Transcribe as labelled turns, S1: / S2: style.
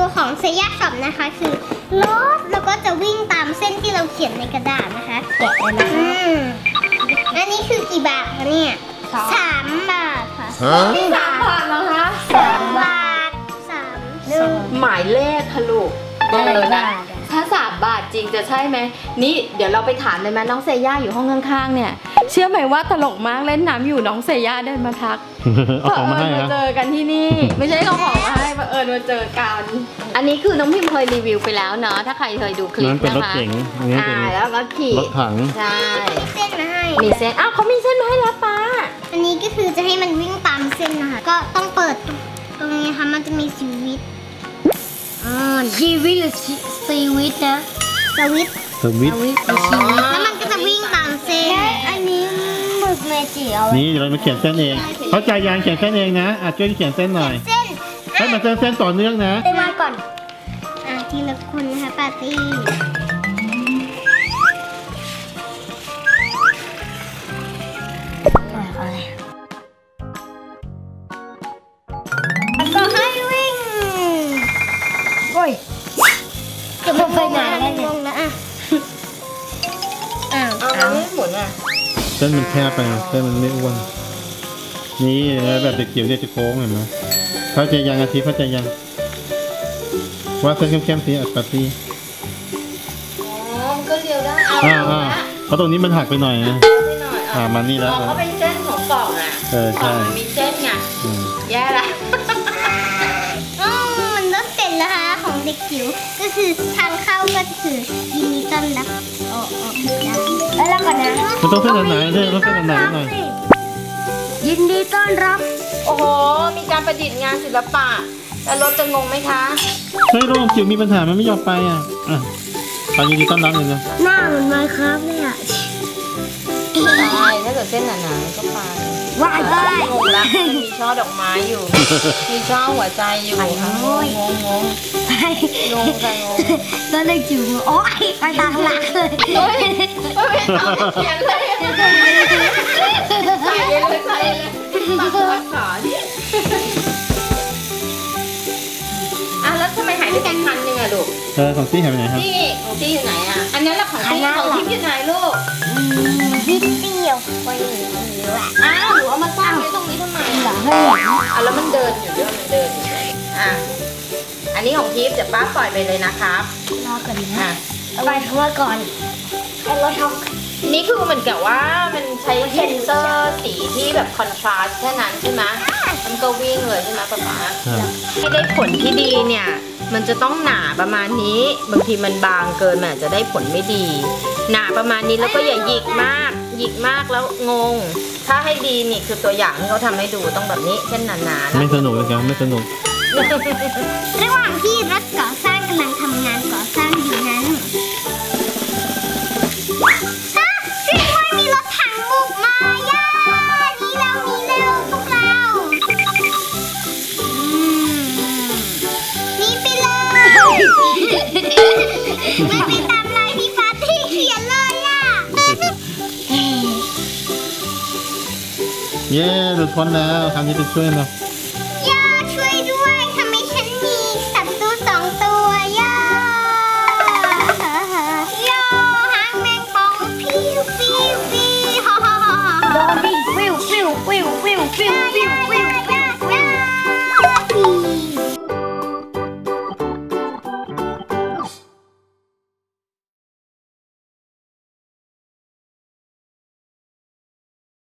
S1: ของเซย่าช็อปนะคะคือรถแล้วก็จะวิ่งตามเส้นที่เราเขียนในกระดาษนะคะแกะเลยนะคะอันนี้คือกี่บาทคะเนี่ย3 บาทค่ะ
S2: นี่3 บาทเหรอคะ
S1: 3 บาท
S2: หมายเลขค่ะลูกนะถ้า3 บาทจริงจะใช่ไหมนี่เดี๋ยวเราไปถามเลยไหมน้องเซย่าอยู่ห้องข้างๆเนี่ยเชื่อไหมว่าตลกมากเล่นน้ำอยู่น้องเซย่าเดินมาทัก
S3: เอาของมาให้
S2: มาเจอกันที่นี่ไม่ใช่เอาของมาให้มามาเจอกันอันนี้คือน้องพิมเคยรีวิวไปแล้วเนาะถ้าใครเคยดูคลิปนะคะ
S3: เป็นรถเก๋ง
S2: แล้วก็ขี่
S3: รถถัง
S2: ใช่
S1: เส้นมาให้
S2: มีเส้นอ้าวเขามีเส้นมาให้แล้วป้า
S1: อันนี้ก็คือจะให้มันวิ่งตามเส้นนะคะก็ต้องเปิดตรงนี้ค่ะมันจะมีสวิตช์ชีวิตหรือซีวิตนะสวิตแล้วมันก็จะวิ่งตามเส้นอันนี้หมึกเมจิเอา
S3: นี่เดี๋ยวเรามาเขียนเส้นเองเขาใจยางเขียนเส้นเองนะช่วยเขียนเส้นหน่อย
S1: เส้น
S3: ให้มันเส้นต่อเนื่องนะ
S1: ไปมาก่อนทีละคนนะคะปาร์ตี้ก็ให้วิ่งโอ้ยจะมาไปไหนแล้วเนี่ย
S2: เอาไม่หมุน
S3: เส้นมันแคบไปเส้นมันไม่อ้วนนี่แบบเด็กเกี่ยวเนี่ยจะโค้งเห็นไหมเข้าใจยังอาทิตย์เข้าใจยังว่าเส้นเข้มๆสีอัดปาร์ตี้
S2: ก็เดียวได้
S3: เพราะตรงนี้มันหักไปหน่อยนะมานี่แล้ว
S2: ก็เป็นเส้นของกล่อง
S3: ใช่
S2: มีเส้นไงแย่ละ
S1: มันก็เสร็จแล้วค่ะของเด็กจิ๋วก็คือทางเข้าก็คือยินดีต้อนรับแล้วก่อนนะ
S3: มันต้องเส้นหนาๆด้วยต้องเส้นหนาๆหน่อย
S1: ยินดีต้อนรับ
S2: โอ้โหมีการประดิษฐ์งานศิลปะแล้วรถจะงงไหมคะ
S3: เฮ้ยรถจิ๋วมีปัญหามันไม่ยอมไปไปยินดีต้อนรับเลยนะ
S1: หน้าเหมือนไมค์ครับเนี่ย
S2: ใช่ถ้าเกิดเส้นหนาๆก็ไป
S1: ว้าย
S2: งงละมีช่อดอกไม้อยู่มีช่อหัวใจอยู่งง
S1: ตอนเด็กจิ๋วโอ๊ยไปตามหลักเลย
S2: ไม่ต้องเขียนเลยใส่เลยปักขาดิแล้วทำไมหายไปกันพันหนึ่งอะลูก
S3: ของตี้หายไปไหนครับ
S2: ตี้ของตี้อยู่ไหนอะอันนั้นแหละของตี้ของทิพย์อยู่ไหนลูก
S1: นิดเดียวไปหนู
S2: หนูเอามาตั้งไว้ตรงนี้ทำไมล่ะแล้วมันเดินอยู่ด้วยมันเดินอยู่อันนี้ของทิพย์เดี๋ยวป้าปล่อยไปเลยนะครับ
S1: รอก่อนนะเอาไปเข้ามาก่อนเอารถท็อป
S2: นี่คือเหมือนกับว่ามันใช้เซนเซอร์สีที่แบบคอนทราสต์แค่นั้นใช่ไหมมันก็วิ่งเลยใช่ไหมป๊าให้ได้ผลที่ดีเนี่ยมันจะต้องหนาประมาณนี้บางทีมันบางเกินมันอาจจะได้ผลไม่ดีหนาประมาณนี้แล้วก็อย่าหยิกมากแล้วงงถ้าให้ดีนี่คือตัวอย่างที่เขาทำให้ดูต้องแบบนี้เส้นหนา
S3: ๆไม่สนุกเลยครับไม่สนุก
S1: ระหว่างที่รถก่อสร้างกำลังทำงานก่อสร้างอยู่นั้นมีรถถังบุกมาย่านี่แล้วพวกเรานี่ไปเลยไม่ไปตามลายที่ปาร์ตี้เขียนเลย
S3: เย้หลุดพ้นแล้วครั้งนี้ไปช่วยเรา
S1: ย่าช่วยด้วยทำไมฉันมีศัตรู2 ตัวย่าหางแมงป่องพิวโดนพิว